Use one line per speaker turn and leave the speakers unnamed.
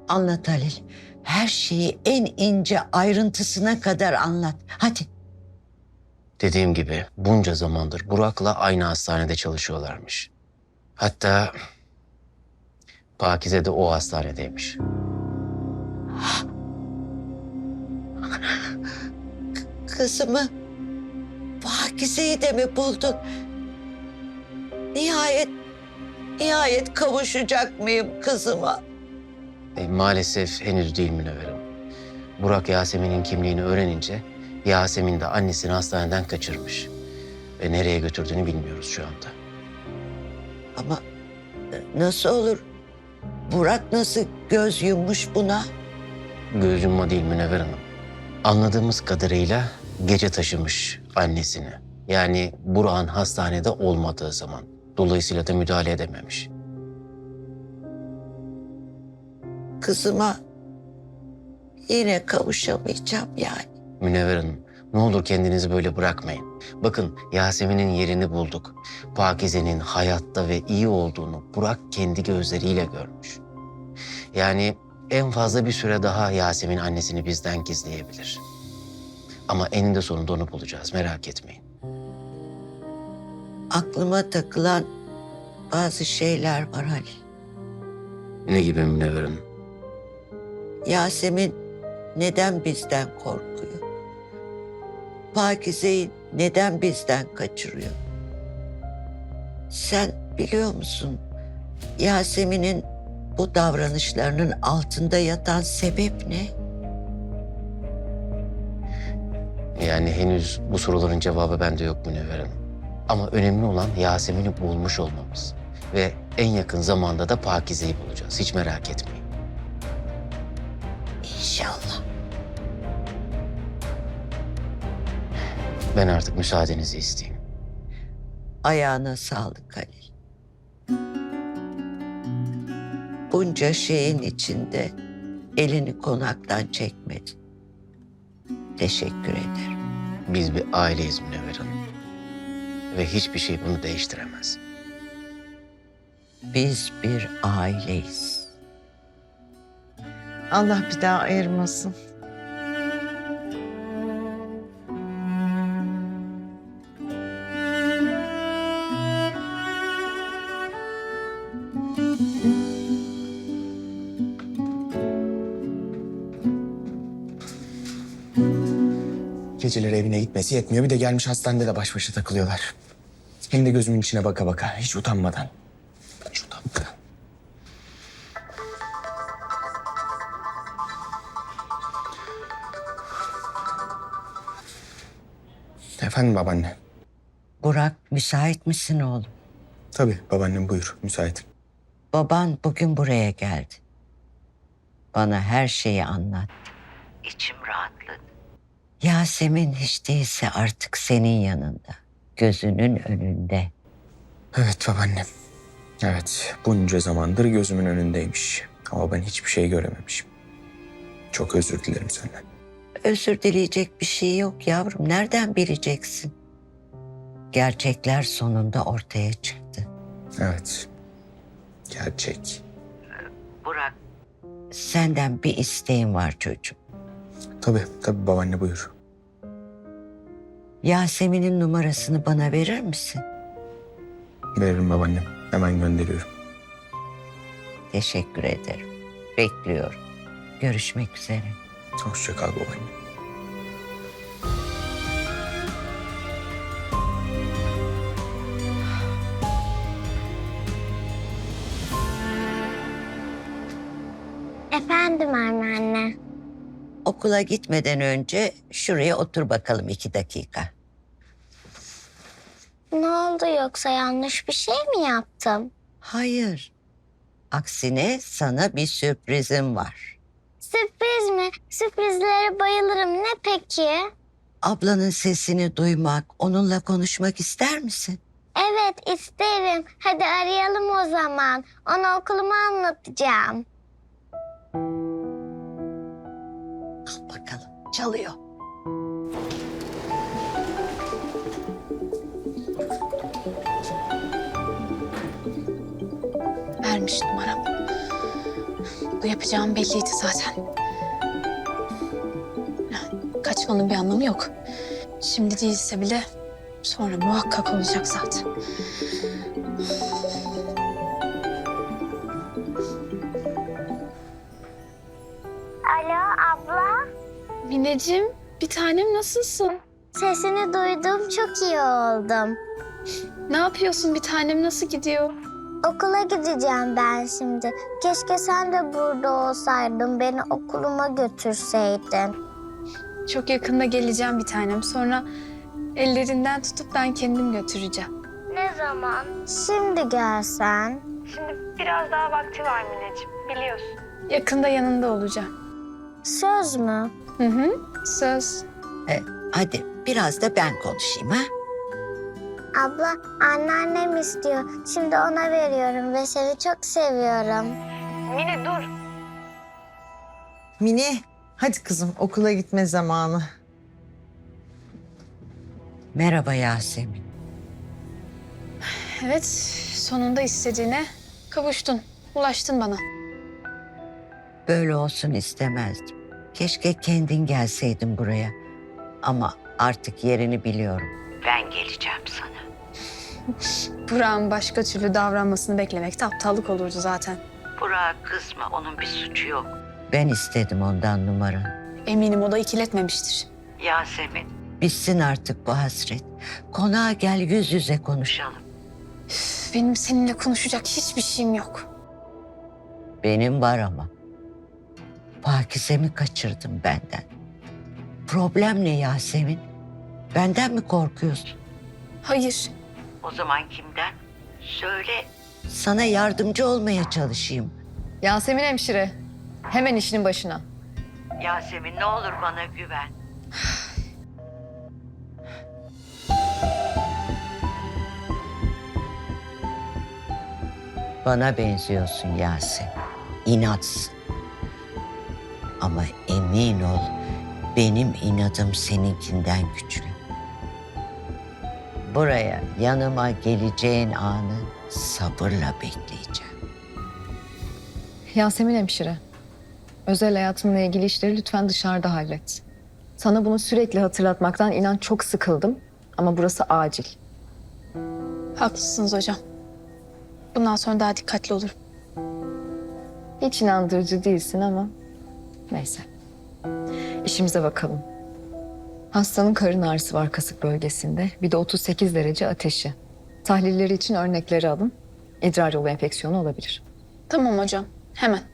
Anlat Halil. Her şeyi en ince ayrıntısına kadar anlat. Hadi.
Dediğim gibi bunca zamandır Burak'la aynı hastanede çalışıyorlarmış. Hatta Pakize de o hastanedeymiş.
Kızımı Pakize'yi de mi buldun? Nihayet kavuşacak mıyım kızıma?
Maalesef henüz değil Münevver. Burak Yasemin'in kimliğini öğrenince Yasemin de annesini hastaneden kaçırmış. Ve nereye götürdüğünü bilmiyoruz şu anda.
Ama nasıl olur? Burak nasıl göz yummuş buna?
Göz yumma değil Münevver Hanım. Anladığımız kadarıyla gece taşımış annesini. Yani Burak'ın hastanede olmadığı zaman. Dolayısıyla da müdahale edememiş.
Kızıma yine kavuşamayacağım yani.
Münevver Hanım, ne olur kendinizi böyle bırakmayın. Bakın Yasemin'in yerini bulduk. Pakize'nin hayatta ve iyi olduğunu Burak kendi gözleriyle görmüş. Yani en fazla bir süre daha Yasemin annesini bizden gizleyebilir. Ama eninde sonunda onu bulacağız, merak etmeyin.
Aklıma takılan bazı şeyler var Halil.
Ne gibi Münevver Hanım?
Yasemin neden bizden korkuyor? Pakize'yi neden bizden kaçırıyor? Sen biliyor musun Yasemin'in bu davranışlarının altında yatan sebep ne?
Yani henüz bu soruların cevabı bende yok Münevver Hanım. Ama önemli olan Yasemin'i bulmuş olmamız. Ve en yakın zamanda da Pakize'yi bulacağız. Hiç merak etmeyin.
İnşallah.
Ben artık müsaadenizi isteyeyim.
Ayağına sağlık Halil. Bunca şeyin içinde elini konaktan çekmedi. Teşekkür ederim.
Biz bir aileyiz Münevver Hanım. Ve hiçbir şey bunu değiştiremez.
Biz bir aileyiz.
Allah bir daha ayırmasın.
Geceleri evine gitmesi yetmiyor. Bir de gelmiş hastanede de baş başa takılıyorlar. Hem de gözümün içine baka baka. Hiç utanmadan. Hiç utanmadan. Efendim babaanne.
Burak, müsait misin oğlum?
Tabii babaannem buyur. Müsaitim.
Baban bugün buraya geldi. Bana her şeyi anlattı. İçim rahatladı. Yasemin hiç değilse artık senin yanında. Gözünün önünde.
Evet babaannem. Evet bunca zamandır gözümün önündeymiş. Ama ben hiçbir şey görememişim. Çok özür dilerim senden.
Özür dileyecek bir şey yok yavrum. Nereden bileceksin? Gerçekler sonunda ortaya çıktı.
Evet. Gerçek.
Burak. Senden bir isteğim var çocuğum.
Tabii babaanne buyur.
Yasemin'in numarasını bana verir misin?
Veririm babaannem. Hemen gönderiyorum.
Teşekkür ederim. Bekliyorum. Görüşmek üzere.
Hoşça kal babaanne.
Efendim anneanne.
Okula gitmeden önce şuraya otur bakalım 2 dakika.
Ne oldu yoksa yanlış bir şey mi yaptım?
Hayır. Aksine sana bir sürprizim var.
Sürpriz mi? Sürprizlere bayılırım. Ne peki?
Ablanın sesini duymak, onunla konuşmak ister misin?
Evet isterim. Hadi arayalım o zaman. Ona okulumu anlatacağım.
Al bakalım, çalıyor.
Vermiş numaramı.
Bu yapacağım belliydi zaten. Kaçmanın bir anlamı yok. Şimdi değilse bile sonra muhakkak olacak zaten.
Alo abla.
Mineciğim, bir tanem nasılsın?
Sesini duydum, çok iyi oldum.
Ne yapıyorsun bir tanem, nasıl gidiyor?
Okula gideceğim ben şimdi. Keşke sen de burada olsaydın, beni okuluma götürseydin.
Çok yakında geleceğim bir tanem. Sonra ellerinden tutup ben kendim götüreceğim.
Ne zaman? Şimdi gelsen.
Biraz daha vakti var Mineciğim, biliyorsun. Yakında yanında olacağım.
Söz mü?
Hı hı, söz.
Hadi biraz da ben konuşayım ha.
Abla, anneannem istiyor. Şimdi ona veriyorum ve seni çok seviyorum.
Mine, hadi kızım okula gitme zamanı.
Merhaba Yasemin.
Evet, sonunda istediğine kavuştun. Ulaştın bana.
Böyle olsun istemezdim. Keşke kendin gelseydin buraya. Ama artık yerini biliyorum. Ben geleceğim sana.
Burak'ın başka türlü davranmasını beklemekte aptallık olurdu zaten.
Burak'a kızma, onun bir suçu yok. Ben istedim ondan numaranı.
Eminim o da ikiletmemiştir.
Yasemin. Bitsin artık bu hasret. Konağa gel, yüz yüze konuşalım.
Benim seninle konuşacak hiçbir şeyim yok.
Benim var ama. Pakize'mi kaçırdım benden. Problem ne Yasemin? Benden mi korkuyorsun?
Hayır,
O zaman kimden? Söyle. Sana yardımcı olmaya çalışayım.
Yasemin hemşire, hemen işinin başına.
Yasemin ne olur bana güven. Bana benziyorsun Yasemin. İnatsın. Ama emin ol benim inadım seninkinden güçlü. Buraya yanıma geleceğin anı sabırla bekleyeceğim.
Yasemin hemşire, özel hayatımla ilgili işleri lütfen dışarıda hallet. Sana bunu sürekli hatırlatmaktan inan çok sıkıldım ama burası acil.
haklısınız hocam. Bundan sonra daha dikkatli olurum.
Hiç inandırıcı değilsin ama neyse. İşimize bakalım. Hastanın karın ağrısı var kasık bölgesinde. Bir de 38 derece ateşi. Tahlilleri için örnekleri alın. İdrar yolu enfeksiyonu olabilir.
Tamam hocam, hemen.